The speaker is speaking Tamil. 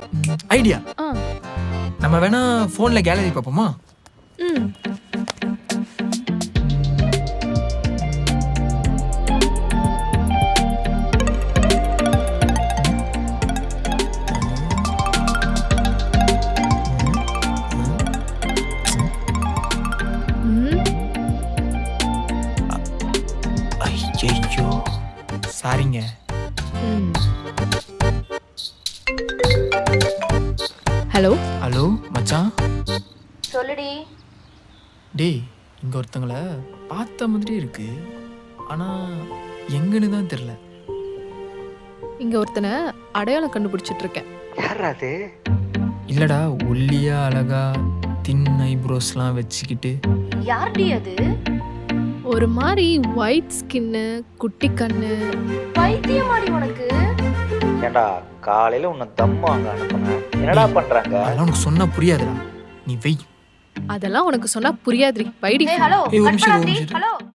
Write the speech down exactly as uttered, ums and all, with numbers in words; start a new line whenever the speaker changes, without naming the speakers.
ஐடியா.
ஆ.
நம்ம வேணா ஃபோன்ல கேலரி பார்ப்போமா?
ம். ம்.
ஐயோ சாரிங்க.
ம். ஹலோ
ஹலோ மச்சான்.
சொல்லுடி.
டேய் இங்க ஒருத்தங்கள பார்த்த மாதிரி இருக்கு, ஆனா எங்கன்னு தான் தெரியல.
இங்க ஒருத்தனை அடையாளம் கண்டுபிடிச்சிட்டு இருக்கேன்.
யார் அது?
இல்லடா, ஒல்லியா அழகா தின் ஐப்ரோஸ்லாம் வச்சுக்கிட்டு.
யார்டி அது?
ஒரு மாதிரி ஒயிட் ஸ்கின்னு, குட்டி கண்ணு.
பைத்தியமாடி உனக்கு?
ஏண்டா காலையில உன்னை தம்மு அங்க அனுப்புனேன், என்னடா பண்றாங்க?
அதெல்லாம் உனக்கு சொன்னா புரியாதுடா, நீ வெய்.
அதெல்லாம் உனக்கு சொன்னா புரியாதுரி. வைடி.
ஏய் ஹலோ,
ஏய், ஒரு
கட்
நிமிஷம், ஒரு
பண்ணாதடி.
நிமிஷம்.
ஹலோ.